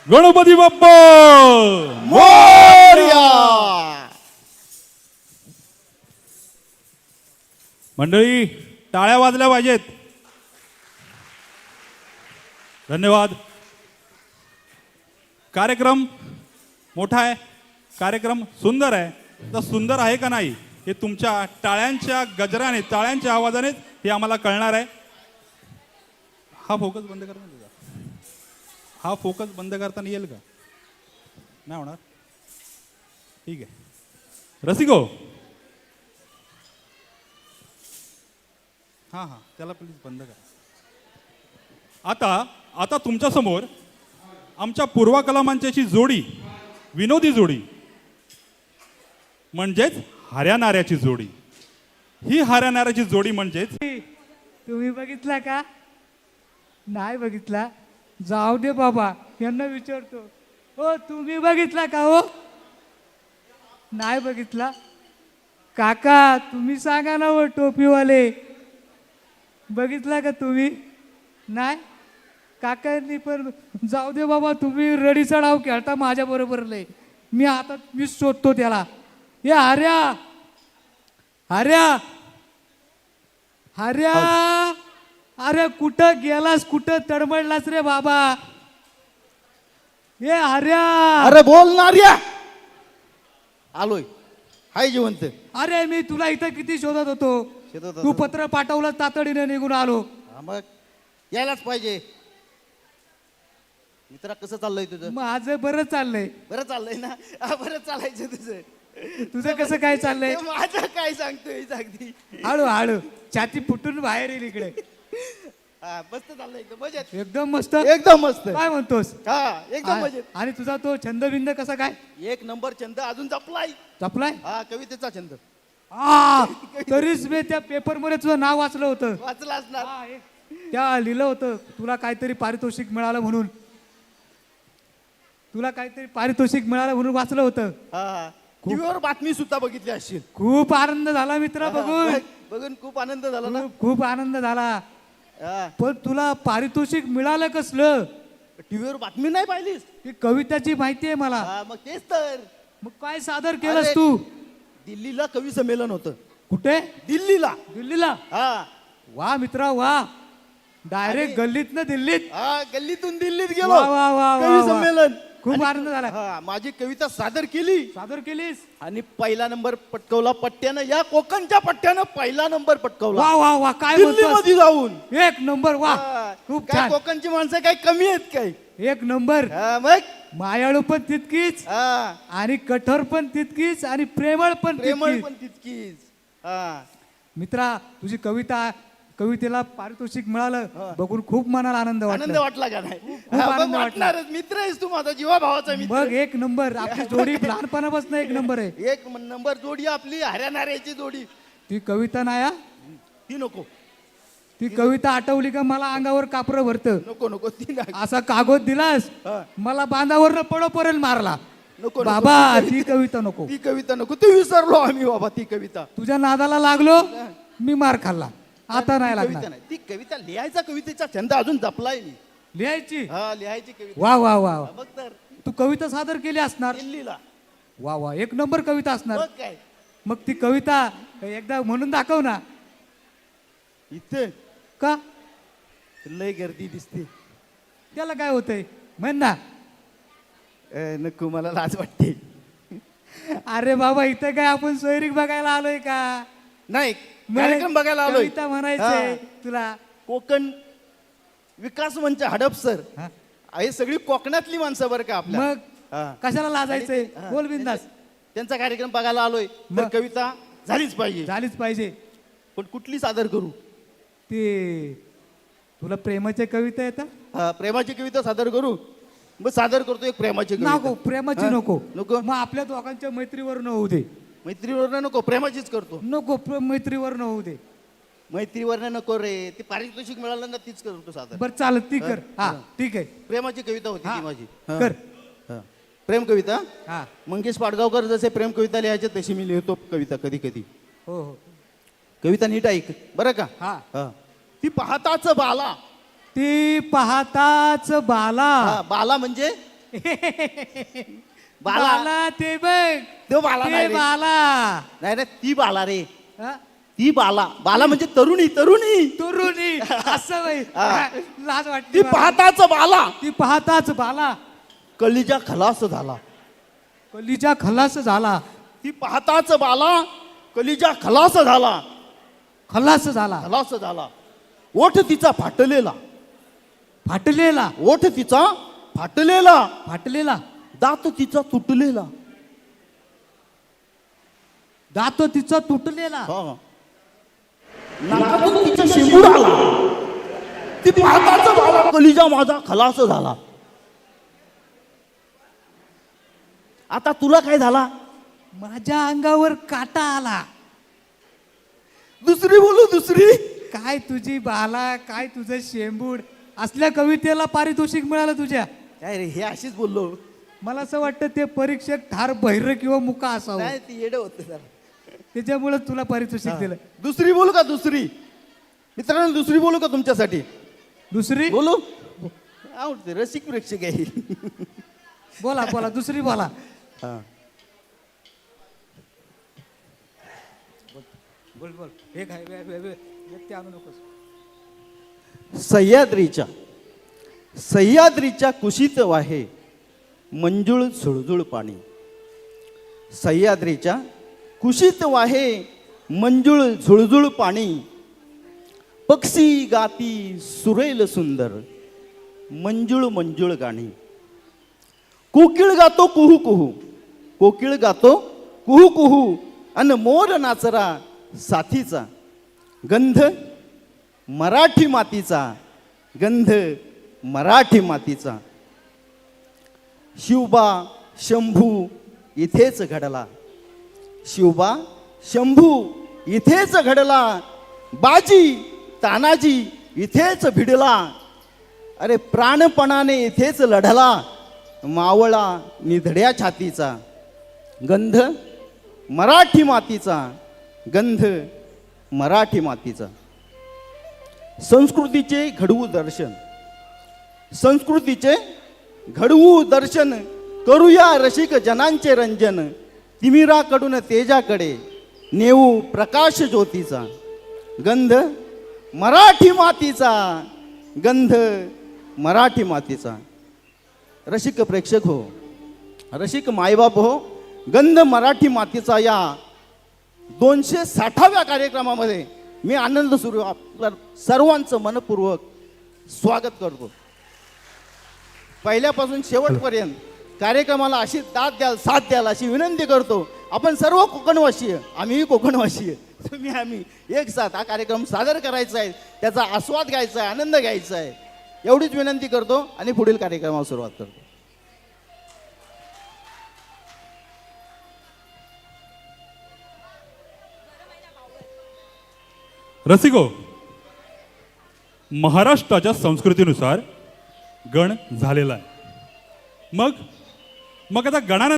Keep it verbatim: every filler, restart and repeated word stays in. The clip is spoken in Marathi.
गणपती बाप्पा मोरया. मंडळी टाळ्या वाजल्या पाहिजेत. धन्यवाद. कार्यक्रम मोठा आहे, कार्यक्रम सुंदर आहे. तर सुंदर आहे का नाही हे तुमच्या टाळ्यांच्या गजराने, टाळ्यांच्या आवाजाने हे आम्हाला कळणार आहे. हा फोकस बंद करता तुझा, हा फोकस बंद करताना येईल का? नाही होणार. ठीक आहे. रसिको, हां हां त्याला प्लीज बंद करा. आता आता तुमच्या समोर आमच्या पूर्वा कलामांच्याची जोडी, विनोदी जोडी म्हणजेच हऱ्या नाऱ्याची जोडी. ही हऱ्या नाऱ्याची जोडी म्हणजेच तुम्ही बघितला का? नाही बघितला? जाऊ दे बाबा, यांना विचारतो. हो तुम्ही बघितला का? हो नाही बघितला? काका तुम्ही सांगा ना. हो टोपीवाले, बघितला का तुम्ही? नाही? काकांनी पण जाऊ दे बाबा, तुम्ही रडीचा डाव खेळता माझ्या बरोबर लय. मी आता मीच शोधतो त्याला. हे हऱ्या, हऱ्या, हऱ्या, अरे कुठं गेलास, कुठं तडमडलास रे बाबा? हे हऱ्या, अरे बोल ना रे. आलोय, हाय जिवंत. अरे मी तुला इथं किती शोधत होतो. शोधत होता. तू पत्र पाठवलं, तातडीने निघून आलो. हा, मग यायलाच पाहिजे. मित्रा कसं चाललंय तुझं? माझं बरं चाललंय. बरं चाललंय ना? हा, बरं चालायचं तुझं. तुझं कसं काय चाललंय? माझं काय सांगतोय अगदी. हळू हळू छाती फुटून बाहेर येईल इकडे. हा, मस्त चाललंय एकदम मजेत. एकदम मस्त. एकदम मस्त. काय म्हणतोस? हा, एकदम मजेत. आणि तुझा तो छंदबिंद कसा काय? एक नंबर छंद अजून जपलाय. जपलाय? हा, कवितेचा छंद. आ, तरीच मी त्या पेपर मध्ये तुझं नाव वाचलं होतं. वाचला असणार. हा, हे. त्या लिहिलं होतं तुला काहीतरी पारितोषिक मिळालं म्हणून. तुला काहीतरी पारितोषिक मिळालं म्हणून वाचलं होतं. हा, टीव्हीवर बातमी सुद्धा बघितली असशील. खूप आनंद झाला मित्र बघून. बघ, बघून खूप आनंद झाला ना. खूप खूप आनंद झाला. हा, पण तुला पारितोषिक मिळालं कसलं? टीव्हीवर बातमी नाही पाहिलीस? ती कविताची माहिती आहे मला. हा, मग तेच तर. मग काय सादर केलंस अरे, तू? दिल्लीला कवी संमेलन होतं. कुठे? दिल्लीला. दिल्लीला? हा वा मित्रा वा. डायरेक्ट गल्लीत ना दिल्लीत. हा, गल्लीतून दिल्लीत गेलो. वा वा वा वा कवी वा. संमेलन. खूप आणि- आनंद झाला. हा, माझी कविता सादर केली सादर केलीस? आणि पहिला नंबर पटकवला पट्ट्यानं. या कोकणच्या पट्ट्यानं पहिला नंबर पटकवला वा वा वा. काय दिल्ली म्हणतोस? मध्ये जाऊन. एक नंबर. वा हा, खूप काय छान. कोकणची माणसं काही कमी आहेत काय? एक नंबर. हा, मग मायाळू पण तितकीच हा, आणि कठोर पण तितकीच आणि प्रेमळ पण प्रेमळ तितकीच. पण तितकीच. हा, मित्रा तुझी कविता, कवितेला पारितोषिक मिळालं हा. बघून खूप मनाला आनंद आनंद वाटला. वाटला का नाही? खूप हा, आनंद मग वाटला. वाटणारच. मित्र आहेस तू माझा, जीवा भावाचा बघ मित्र. एक नंबर. आपली जोडी लहानपणापासून एक नंबर आहे. एक नंबर जोडी आपली हऱ्या नाऱ्याची जोडी. ती कविता नाही हा? ती नको ती कविता आठवली का मला अंगावर कापरं भरतं. नको नको ती नाही. असा कागद दिलास हा. मला बांधावर पडो पर्यंत मारला. नको नको. बाबा ती कविता नको. ती कविता नको. ती विसरलो आम्ही बाबा. ती कविता तुझ्या नादाला लागलो मी मार खाल्ला. आता नाही ती लागणार. कविता नाही. ती कविता लिहायचा कवितेचा छंद अजून जपलाय मी. लिहायची. हा, लिहायची कविता. वा वा वा वा. बघ तर तू कविता सादर केली असणार. दिल्लीला. वा वा एक नंबर कविता असणार. बघ काय मग ती कविता एकदा म्हणून दाखव ना. इथे का? लय गर्दी दिसते. त्याला काय होतंय म्हण ना. ए, नको मला लाज वाटते. अरे बाबा इथं काय आपण सोयरीक बघायला आलोय का? नाही, कार्यक्रम बघायला आलोय. कविता म्हणायचंय तुला. कोकण विकास मंच हडपसर. हा? हे सगळी कोकणातली माणसं बरं का आपल्या. मग हा. कशाला लाजायचंय? हा. बोल बिंदास. त्यांचा कार्यक्रम बघायला आलोय तर मग? कविता झालीच पाहिजे. झालीच पाहिजे. पण कुठली सादर करू? ते तुला प्रेमाच्या कविता येतात? हा, प्रेमाची कविता सादर करू. मग सादर करतो एक प्रेमाची नको कविता. प्रेमाची हा? नको. नको मग आपल्या दोघांच्या मैत्रीवर न होऊ दे. मैत्रीवर नको, प्रेमाचीच करतो. नको प्र- मैत्रीवर न होऊ दे. मैत्रीवर नको रे. ती पारितोषिक मिळालं ना तीच करतो सादर. बर चालत ती कर. हा हा. ठीक आहे. प्रेमाची कविता होती हा. ती माझी. हा. कर. हा. प्रेम कविता. हा मंगेश पाडगावकर जसे प्रेम कविता लिहायचे तशी मी लिहितो कविता कधी कधी. हो हो. कविता नीट ऐक बरं का. हा. हा. ती पाहताच बाला. ती पाहताच बाला. हा, बाला म्हणजे बाला. बाला ते बघ तो बाला ते नाही रे. बाला नाही रे ती बाला रे हा? ती बाला बाला म्हणजे तरुणी तरुणी तरुणी असं बाई हा. लाज ती वाटते मला. पाहताच बाला ती पाहताच बाला कलीजा खलास झाला. कलीचा खलास झाला ती पाहताच बाला कलीजा खलास झाला. खलास झाला खलास झाला. ओठ तिचा फाटलेला. फाटलेला ओठ तिचा फाटलेला. फाटलेला दात तिचा तुटलेला. दात तिचा तुटलेला हा. नाकातून तिचा शेंबूड आला. ती पाहताच बाला कलिजा माझा खलास झाला. आता तुला काय झाला? माझ्या अंगावर काटा आला. दुसरी बोलू दुसरी. काय तुझी बाला काय तुझं शेंबूड असल्या कवितेला पारितोषिक मिळालं तुझ्या. काय रे हे अशीच बोललो. मला असं वाटतं ते परीक्षक ठार बहिर किंवा मुका असावं नाही ती येडं होतं जरा. त्याच्यामुळे तुला पारितोषिक दिलं. दुसरी बोलू का दुसरी? मित्रांनो दुसरी बोलू का तुमच्यासाठी? दुसरी बोलू आवडते रसिक प्रेक्षक आहे. बोला बोला दुसरी बोला. हा. बोल बोल हे काय वे- वे- वे- व्यक्ती आणू नकोस. सह्याद्रीच्या सह्याद्रीच्या कुशीत वाहे मंजुळ झुळझुळ पाणी. सह्याद्रीच्या कुशीत वाहे मंजुळ झुळझुळ पाणी. पक्षी गाती सुरेल सुंदर मंजुळ मंजुळ गाणी. कोकिळ गातो कुहू कुहू. कोकिळ गातो कुहू कुहू. अन मोर नाचरा साथीचा. गंध मराठी मातीचा. गंध मराठी मातीचा. शिवबा शंभू इथेच घडला. शिवबा शंभू इथेच घडला. बाजी तानाजी इथेच भिडला. अरे प्राणपणाने इथेच लढला. मावळा निधड्या छातीचा. गंध मराठी मातीचा. गंध मराठी मातीचा. संस्कृतीचे घडवू दर्शन. संस्कृतीचे घडवू दर्शन करूया रसिक जनांचे रंजन. तिमिराकडून तेजाकडे नेऊ प्रकाश ज्योतीचा. गंध मराठी मातीचा. गंध मराठी मातीचा. रसिक प्रेक्षक हो, रसिक मायबाप हो, गंध मराठी मातीचा या दोनशे साठाव्या कार्यक्रमामध्ये मी आनंद सुरू आपल्या सर्वांचं मनपूर्वक स्वागत करतो. पहिल्यापासून शेवटपर्यंत कार्यक्रमाला अशी दाद द्याल साथ द्याल अशी विनंती करतो. आपण सर्व कोकणवासीय, आम्हीही कोकणवासीय, तुम्ही आम्ही एक साथ हा कार्यक्रम सादर करायचा आहे, त्याचा आस्वाद घ्यायचा आहे, आनंद घ्यायचा आहे, एवढीच विनंती करतो आणि पुढील कार्यक्रमाला सुरुवात करतो. रसिको, महाराष्ट्राच्या संस्कृतीनुसार गण झालेला आहे. मग मग आता गणानं